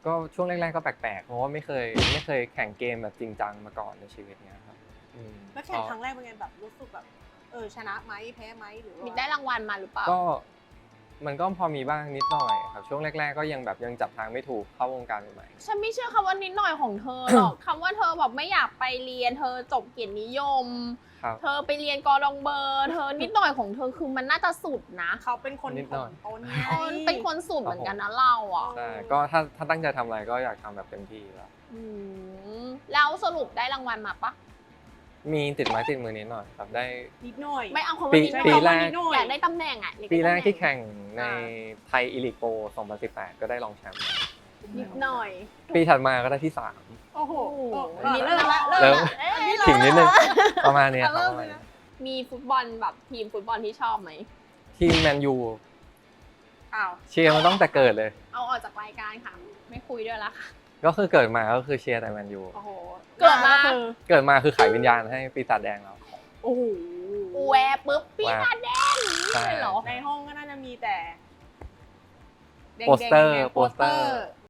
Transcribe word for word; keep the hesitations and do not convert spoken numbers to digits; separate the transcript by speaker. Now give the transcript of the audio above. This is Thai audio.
Speaker 1: ก็ช่วงแรกๆก็แปลกๆเพราะว่าไม่เคยไม่เคยแข่งเกมแบบจริงจังมาก่อนในชีวิตเนี้ยครับ
Speaker 2: แล้วแข่งครั้งแรกเป็นไงแบบรู้สึกแบบเออชนะไหมแพ้ไหมหรือว่า
Speaker 3: มีได้รางวัลมาหรือเปล่า
Speaker 1: ก็มันก็พอมีบ้างนิดหน่อยครับช่วงแรกๆก็ยังแบบยังจับทางไม่ถูกเข้าวงการใหม่
Speaker 3: ฉันไม่เชื่อคำว่านิดหน่อยของเธอหรอก คำว่าเธอแบบไม่อยากไปเรียนเธอจบเกียรตินิยม
Speaker 1: ครับ
Speaker 3: เธอไปเรียนกอดองเบอร์เธอนิดหน่อยของเธอคือมันน่าจะสุดนะ
Speaker 2: เขาเป็นคน
Speaker 1: นิดหน่อย
Speaker 2: ต้นไง
Speaker 3: เออเป็นคนสุดเหมือนกันนะเราอ่ะ
Speaker 1: ใช่ก็ถ้าถ้าตั้งใจทำอะไรก็อยากทำแบบเต็มที่แล้ว
Speaker 3: อืมแล้วสรุปได้รางวัลมาปะ
Speaker 1: มีติดไม้ติดมือนิดหน่อยครับได้
Speaker 2: นิดหน่อย
Speaker 3: ไม่เอาคำ
Speaker 1: ปี
Speaker 3: ว่านิดหน่อย
Speaker 1: ปีแรก
Speaker 2: นิดหน่อย
Speaker 3: อยากได้ตำแหน่งอ่ะอยาได้
Speaker 1: ปีแรก
Speaker 3: ตำหน่ง
Speaker 1: ที่แข่งใน
Speaker 3: อ่า
Speaker 1: ไทยอีลิกโปรสองพันสิบแปดก็ได้รองแชมป์
Speaker 3: นิดหน่อย
Speaker 1: ปีถัดมาก็ได้ที่สาม
Speaker 2: โอ้โห
Speaker 3: โอ้
Speaker 2: เออ
Speaker 3: นิด
Speaker 2: เริ่ม
Speaker 3: ละ
Speaker 2: ละ
Speaker 1: เริ่
Speaker 2: เริ่
Speaker 1: ม
Speaker 2: มละเอ้ย
Speaker 1: ถึงนิดนึงประมาณเนี้ยครับ
Speaker 2: เริ่
Speaker 1: ป
Speaker 2: ม
Speaker 1: ระมาณ
Speaker 2: เลย
Speaker 1: นี้
Speaker 2: นะ
Speaker 3: มีฟุตบอลแบบทีมฟุตบอลที่ชอบไหม
Speaker 1: ทีมแมนยู
Speaker 2: อ้าว
Speaker 1: เชียร์มาตั้งแต่เกิดเลย
Speaker 3: เอาออกจากรายการค่ะ ไม่คุยด้วยละค่ะ
Speaker 1: ก็คือเกิดมาก็คือเชียร์แต่แมนยู
Speaker 2: โอ้โห
Speaker 3: เกิดมา
Speaker 2: คือ
Speaker 1: เกิดมาคือขายวิญญาณให้ปีศาจแดงเรา
Speaker 2: โอ้โห
Speaker 3: แวร์ปุ๊บปีศาจแดงอย่างนี้เลยเหรอ
Speaker 2: ในห้องก็น่าจะมีแต่แดงๆ
Speaker 1: โปสเตอร์
Speaker 2: นี่ย
Speaker 1: โปสเตอร์